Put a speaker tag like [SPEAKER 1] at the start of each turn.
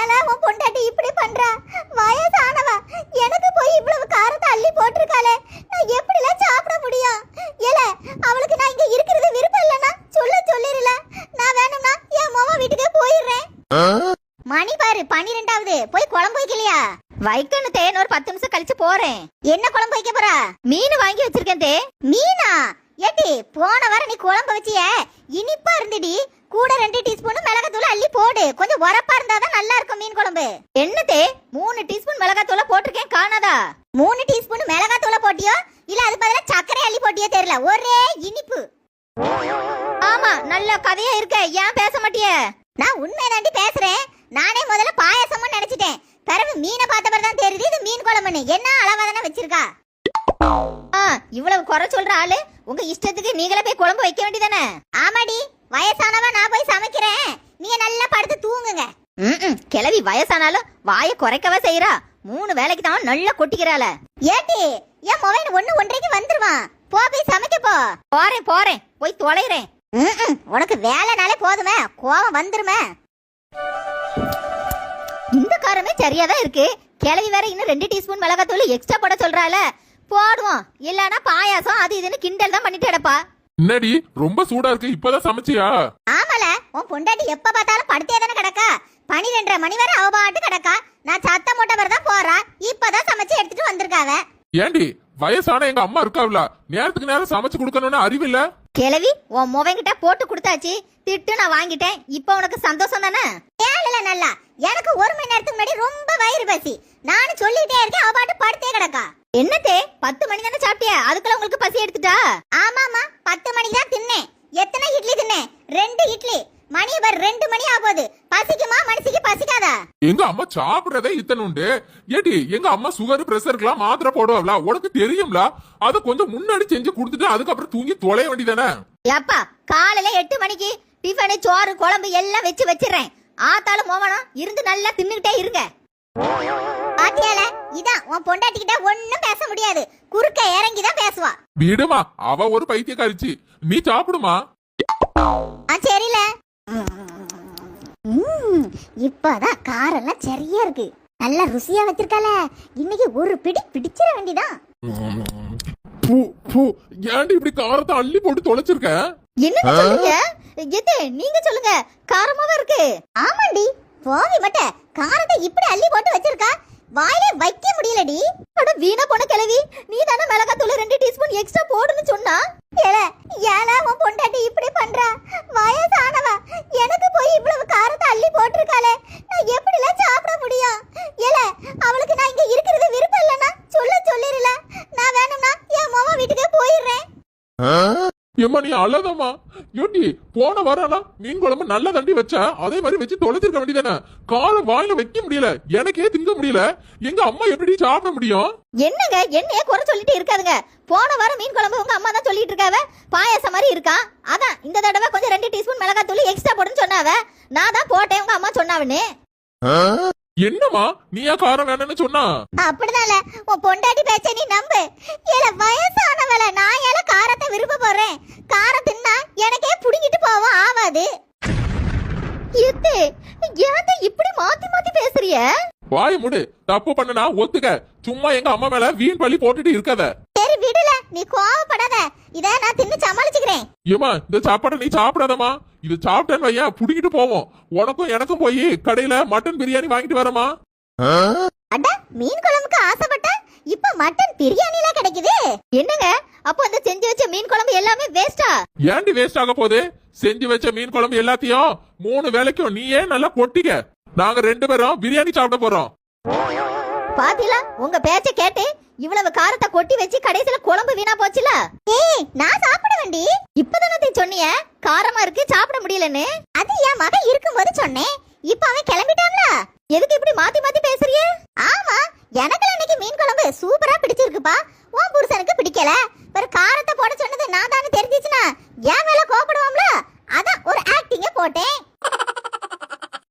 [SPEAKER 1] ஏல உன் பொண்டாட்டி இப்படி பண்றா? வயசானவ எனக்கு போய் இவ்வளவு காரத்தை அள்ளி போட்டிருக்காளே, நான் எப்படிலாம் சாப்பிட முடியும்? ஏல அவளுக்கு நான் இங்க இருக்கிறது விருப்பம் இல்லைன்னா சொல்லிரல. நான் வேணும்னா என் மாமா வீட்டுக்கே போயிடுறேன். மணி பாரு 12வது. போய் குழம்பு வைக்கலையா? வைக்கணும் தே, ஒரு 10 நிமிஷம் கழிச்சு போறேன். என்ன குழம்பு வைக்க போறா? மீன் வாங்கி வச்சிருக்கேன் தே. மீனா? ஏட்டி போன வாரம் நீ குழம்பு வச்சிய இனிப்பா இருந்துடி. கூட 2 டீஸ்பூன் மிளகாத்தூள் அள்ளி போடு. கொஞ்சம் உரப்பா இருந்தாதான் நல்லா இருக்கும் மீன் குழம்பு. என்ன தே 3 டீஸ்பூன் மிளகாத்தூள போட்டிருக்கேன், காணாதா? 3 டீஸ்பூன் மிளகாத்தூள போட்டியோ இல்ல அது பதிலா சர்க்கரை அள்ளி போட்டியோ தெரியல, ஒரே இனிப்பு. ஆமா நல்ல கதையா இருக்க, ஏன் பேச மாட்டிய? நான் உண்மைதாண்டி பேசுறேன். நானே முதல்ல பாயாசம்னு நினைச்சிட்டேன். பிறகு மீனை பார்த்த பிறகு தான் தெரியுது இது மீன் குழம்புன்னு. என்ன அளவாதானே வச்சிருக்கா? இவ்வளவு குறை சொல்ற ஆளு உங்க இஷ்டத்துக்கு நீங்களே போய் குழம்பு வைக்க வேண்டியதானே? ஆமாடி, வயசானவா நான் போய் சமைக்கிறேன், நீங்க நல்லா படுத்து தூங்குங்க. கிளவி வயசானாலும் வாயை குறைக்கவா செய்யறா? 3 வேலைக்கு தான் நல்லா கொட்டிக்கிறாள. ஏட்டி என் மொபைல் 1:30க்கு வந்துருவான். போய் சமைக்க போ. போறேன் போய் தொலைறேன். உனக்கு வேலைனாலே போதுமே, கோவம் வந்துருமே. இந்த காரமே சரியாதான் இருக்கு. கிளவி வேற இன்னும் 2 டீஸ்பூன் மிளகாத்தூள் எக்ஸ்ட்ரா போட சொல்றாள. போடுவோம், இல்லனா பாயாசம் அது இதுன்னு கிண்டல் தான் பண்ணிட்டு கிடப்பா.
[SPEAKER 2] என்னடி ரொம்ப சூடா இருக்கு, இப்பதான் சமைச்சியா?
[SPEAKER 1] ஆமால, உன் பொண்டாட்டி எப்ப பார்த்தாலும் படுத்தே தானே கிடக்கா. 12:30 மணி வரை அவ பாட்டு கிடக்கா. நான் சத்தம் போட்ட வரை தான் போறா. இப்பதான் சமைச்சு எடுத்துட்டு வந்திருக்காவ.
[SPEAKER 2] ஏண்டி வயசான எங்க அம்மா இருக்காவல, நேரத்துக்கு நேரம் சமைச்சு கொடுக்கணும்னு அறிவில்ல?
[SPEAKER 1] கிளவி உன் முவங்கிட்ட போட்டு கொடுத்தாச்சு, திட்டு நான் வாங்கிட்டேன். இப்ப உனக்கு சந்தோஷம் தானே? ஏழல நல்லா, எனக்கு 1 மணி நேரத்துக்கு முன்னாடி ரொம்ப வயிறு பசி. நானும் சொல்லிட்டே இருக்கேன், அவ பாட்டு படுத்தே கிடக்கா. என்னத்தே 10 மணி தானே சாப்பிட்டியா? அதுக்குள்ள உங்களுக்கு பசி எடுத்துட்டா? ஆமாமா 10 மணிக்கு தான் தின்னேன். எத்தனை இட்லி தின்னேன்? 2 இட்லி. மணி பார் 2 மணி ஆகுது. பசிக்குமா? மனசுக்கு பசிக்காதா?
[SPEAKER 2] எங்க அம்மா சாப்பிடுறதே இத்தனை உண்டு. ஏடி எங்க அம்மா சுகர் பிரஷருக்குலாம் மாத்திரை போடுவாங்களா, உனக்கு தெரியும்ல? அத கொஞ்சம் முன்னாடி செஞ்சு கொடுத்துட்டு அதுக்கப்புறம் தூங்கி தொலைய வேண்டியதானே?
[SPEAKER 1] ஏப்பா காலையில 8 மணிக்கு டிஃபனு சோறு குழம்பு எல்லாம் வச்சிடுறேன். ஆத்தாலும் மோவனம் இருந்து நல்லா தின்னுகிட்டே இருங்க. பாத்தியால, இதான் உன் பொண்டாட்டிக்கிட்ட ஒண்ணும் பேச முடியாது. குறுக்க இறங்கிதான் பேசுவா.
[SPEAKER 2] விடுமா, அவ ஒரு பைத்தியக்காரிச்சி. நீ சாப்பிடுமா.
[SPEAKER 1] சரில. இப்பதான் காரெல்லாம் சரியா இருக்கு, நல்லா ருசியா வச்சிருக்கால. இன்னைக்கு ஒரு பிடி பிடிச்சிட வேண்டியதான்.
[SPEAKER 2] ஏன்டி இப்படி காரத்தை அள்ளி போட்டு தொலைச்சிருக்க?
[SPEAKER 1] என்ன சொல்லுங்க? நீங்க சொல்லுங்க, காரமாவே இருக்கு. ஆமாண்டி, போவி மட்ட காரத்தை இப்படி அள்ளி போட்டு வச்சிருக்கா, வாயிலே வைக்க முடியலடி. அட வீணா போன கிழவி, நீ தானே மிளகாத்தூள் 2 டீஸ்பூன் எக்ஸ்ட்ரா போடுன்னு சொன்னா. ஏல உன் பொண்டாட்டி இப்படி பண்றா? வயசானவ எனக்கு போய் இவ்வளவு காரத்தை அள்ளி போட்டிருக்காளே, நான் எப்படிலாம் சாப்பிட முடியும்? ஏல அவளுக்கு நான் இங்க இருக்கிறது விருப்பம் இல்லைன்னா சொல்லிரல. நான் வேணும்னா என் மாமா வீட்டுக்கே போயிடுறேன்.
[SPEAKER 2] ஏம்மா நீ அழதம்மா. ஏண்டி போன வாரம் மீன் குழம்பு நல்லா தண்டி வச்சா, அதே மாதிரி வச்சு தொலைச்சிருக்க வேண்டியதானே? காரம் வாயில வைக்க முடியல, எனக்கே திங்க முடியல. எங்க அம்மா எப்படி சாப்பிட முடியும்?
[SPEAKER 1] என்னங்க என்னைய குறை சொல்லிட்டு இருக்காதுங்க. போன வாரம் மீன் குழம்பு உங்க அம்மா தான் சொல்லிட்டு இருக்காவ, பாயாசம் மாதிரி இருக்கா. அதான் இந்த தடவை கொஞ்சம் 2 டீஸ்பூன் மிளகாத்தூள் எக்ஸ்ட்ரா போடுன்னு சொன்னாவ. நான் தான் போட்டேன், உங்க அம்மா சொன்னாவன்னு.
[SPEAKER 2] என்னம்மா நீயா காரம் வேணும்னு சொன்னா?
[SPEAKER 1] அப்படிதான்ல, உன் பொண்டாட்டி பேச்ச நீ நம்பு. ஏல வயசானவள, நான் ஏல காரத்தை விரும்ப போறேன். காரம் தின்னா எனக்கே புடிங்கிட்டு போவோம் ஆவாது. எத்தே ஏன் இப்படி மாத்தி மாத்தி பேசுறிய?
[SPEAKER 2] வாய் முடு. தப்பு பண்ணனா ஒத்துக்க. சும்மா எங்க அம்மா மேல வீண் பள்ளி போட்டுட்டு இருக்காத.
[SPEAKER 1] சரி விடுல, நீ கோவப்படாத. இத நான் தின்னு சமாளிச்சுக்கிறேன்.
[SPEAKER 2] ஏமா இந்த சாப்பாடை நீ சாப்பிடாதமா. இது சாப்பிட்டேன்னு வையா புடிங்கிட்டு போவோம். உனக்கும் எனக்கும் போய் கடையில மட்டன் பிரியாணி வாங்கிட்டு வரமா.
[SPEAKER 1] அட மீன் குழம்புக்கு ஆசைப்பட்ட இப்ப மட்டன் பிரியாணில கிடைக்குது. என்னங்க அப்போ அந்த செஞ்சு வச்ச மீன் குழம்பு எல்லாமே வேஸ்டா?
[SPEAKER 2] ஏண்டி வேஸ்ட் ஆக போகுது? செஞ்சு வச்ச மீன் குழம்பு எல்லாத்தையும் 3 வேளைக்கும் நீயே நல்லா கொட்டிக்க. நாங்க 2 பேரும் பிரியாணி சாப்பிட போறோம்.
[SPEAKER 1] பாத்தீங்களா, உங்க பேச்ச கேட்டு இவ்வளவு காரத்தை கொட்டி வச்சு கடைசில குழம்பு வீணா போச்சுல. ஏய் நான் சாப்பிட வேண்டி. இப்பதானே சொன்னிய காரமா இருக்கு சாப்பிட முடியலன்னு. அது என் மகன் இருக்கும்போது சொன்னேன். இப்ப அவன் கிளம்பிட்டான்ல, எதுக்கு இப்படி மாத்தி மாத்தி பேசுறிய? ஆமா, எனக்கு இன்னைக்கு மீன் குழம்பு சூப்பரா பிடிச்சிருக்குப்பா. உன் புருஷனுக்கு பிடிக்கல. ஒரு காரத்தை போட சொன்னது நான் தானே தெரிஞ்சிச்சுனா என் மேல கோபப்படுவாம்ல. அதான் ஒரு ஆக்டிங்க போட்டேன்.